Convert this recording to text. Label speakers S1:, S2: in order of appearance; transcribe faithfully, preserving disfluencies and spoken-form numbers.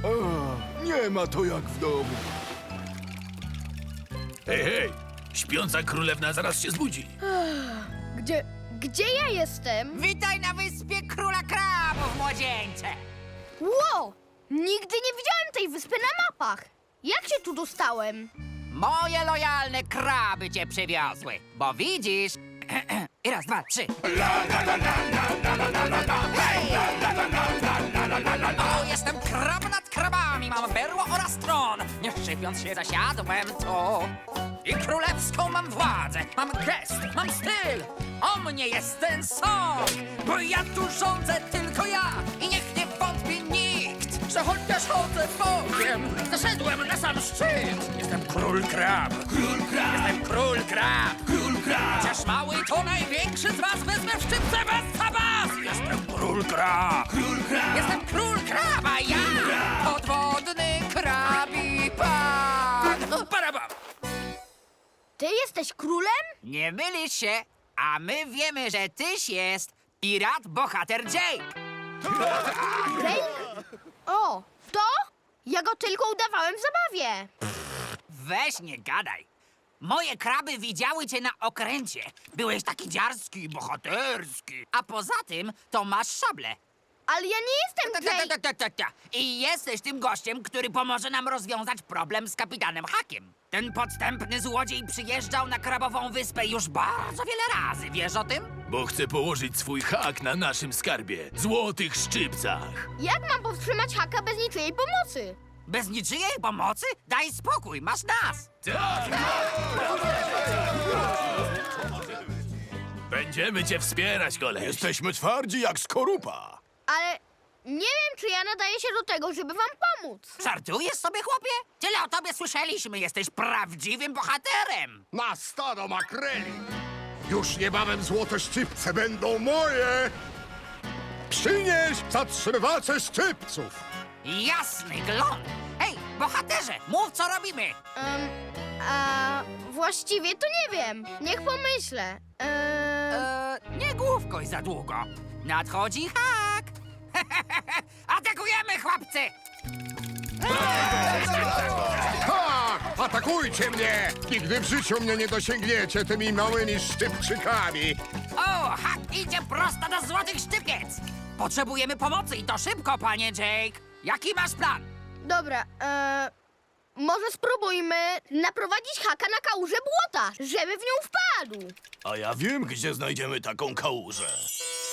S1: A, nie ma to jak w domu.
S2: Hej, hej! Śpiąca królewna zaraz się zbudzi.
S3: Gdzie, gdzie ja jestem?
S4: Witaj na wyspie Króla Krabów, młodzieńcze!
S3: Ło! Nigdy nie widziałem tej wyspy na mapach. Jak się tu dostałem?
S4: Moje lojalne kraby cię przywiozły, bo widzisz... I raz, dwa, trzy. Hej! O, jestem krab nad krabami, mam berło oraz tron. Nie szczypiąc się zasiadłem tu. I królewską mam władzę, mam gest, mam styl. O mnie jest ten sąd, bo ja tu rządzę tylko ja. I niech nie wątpi nikt, że chociaż chodzę bokiem, zaszedłem na sam szczyt. Jestem król krab.
S2: Król krab!
S4: Jestem król krab.
S2: Król krab!
S4: Chociaż mały to największy z was, wezmę w szczypce bez zabas. Jestem król krab.
S2: Król krab!
S4: Jestem król kraba, ja! Podwodny krabi pan! Parabam!
S3: Ty jesteś królem?
S4: Nie mylisz się, a my wiemy, że tyś jest pirat bohater Jake.
S3: Drake? O, to? Ja go tylko udawałem w zabawie.
S4: Weź nie gadaj. Moje kraby widziały cię na okręcie. Byłeś taki dziarski i bohaterski. A poza tym to masz szablę.
S3: Ale ja nie jestem
S4: Ta, ta,
S3: Drake.
S4: ta, ta, ta, ta. I jesteś tym gościem, który pomoże nam rozwiązać problem z kapitanem Hakiem. Ten podstępny złodziej przyjeżdżał na Krabową Wyspę już bardzo wiele razy, wiesz o tym?
S2: Bo chce położyć swój hak na naszym skarbie, złotych szczypcach.
S3: Jak mam powstrzymać haka bez niczyjej pomocy?
S4: Bez niczyjej pomocy? Daj spokój, masz nas!
S2: Będziemy cię wspierać, koleś.
S1: Jesteśmy twardzi jak skorupa.
S3: Ale nie wiem, czy ja nadaję się do tego, żeby wam pomóc.
S4: Żartujesz sobie, chłopie? Tyle o tobie słyszeliśmy, jesteś prawdziwym bohaterem!
S5: Na stado makreli! Już niebawem złote szczypce będą moje! Przynieś zatrzymywacze szczypców!
S4: Jasny glon! Hej, bohaterze, mów co robimy!
S3: Um, a właściwie to nie wiem. Niech pomyślę. Eee,
S4: Eee, nie główkoj za długo. Nadchodzi hak! Atakujemy, chłopcy!
S5: Tak! Atakujcie mnie! Nigdy w życiu mnie nie dosięgniecie tymi małymi szczypczykami!
S4: O, hak idzie prosto do złotych szczypiec! Potrzebujemy pomocy i to szybko, panie Jake! Jaki masz plan?
S3: dobra, eee, może spróbujmy naprowadzić haka na kałużę błota, żeby w nią wpadł.
S1: A ja wiem, gdzie znajdziemy taką kałużę.